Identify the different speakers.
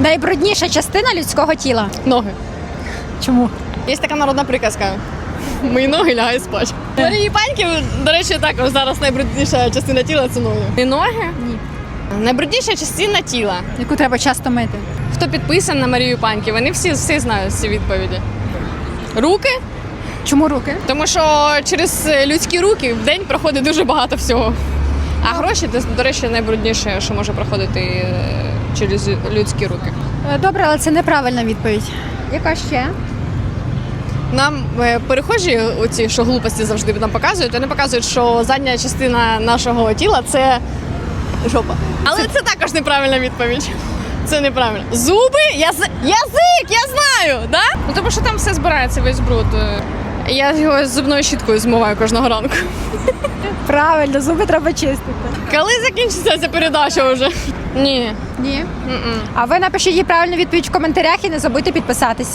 Speaker 1: Найбрудніша частина людського тіла.
Speaker 2: Ноги.
Speaker 1: Чому?
Speaker 2: Є така народна приказка. Мої ноги лягають спати. Марії Паньків, до речі, також зараз найбрудніша частина тіла – це ноги. І ноги?
Speaker 1: Ні.
Speaker 2: Найбрудніша частина тіла.
Speaker 1: Яку треба часто мити.
Speaker 2: Хто підписаний на Марію Паньків, вони всі знають ці відповіді. Руки,
Speaker 1: Чому руки?
Speaker 2: тому що через людські руки в день проходить дуже багато всього. А гроші, до речі, найбрудніше, що може проходити через людські руки.
Speaker 1: Добре, але це неправильна відповідь. Яка ще?
Speaker 2: Нам перехожі, оці, що глупості завжди нам показують, вони показують, що задня частина нашого тіла – це жопа. Але це також неправильна відповідь. Це неправильно. Зуби, язик, я знаю, да? Ну тому що там все збирається, весь бруд. Я його з зубною щіткою змиваю кожного ранку.
Speaker 1: Правильно, зуби треба чистити.
Speaker 2: Коли закінчиться ця передача вже? Ні.
Speaker 1: Ні.
Speaker 2: М-м.
Speaker 1: А ви напишіть їй правильну відповідь в коментарях і не забудьте підписатись.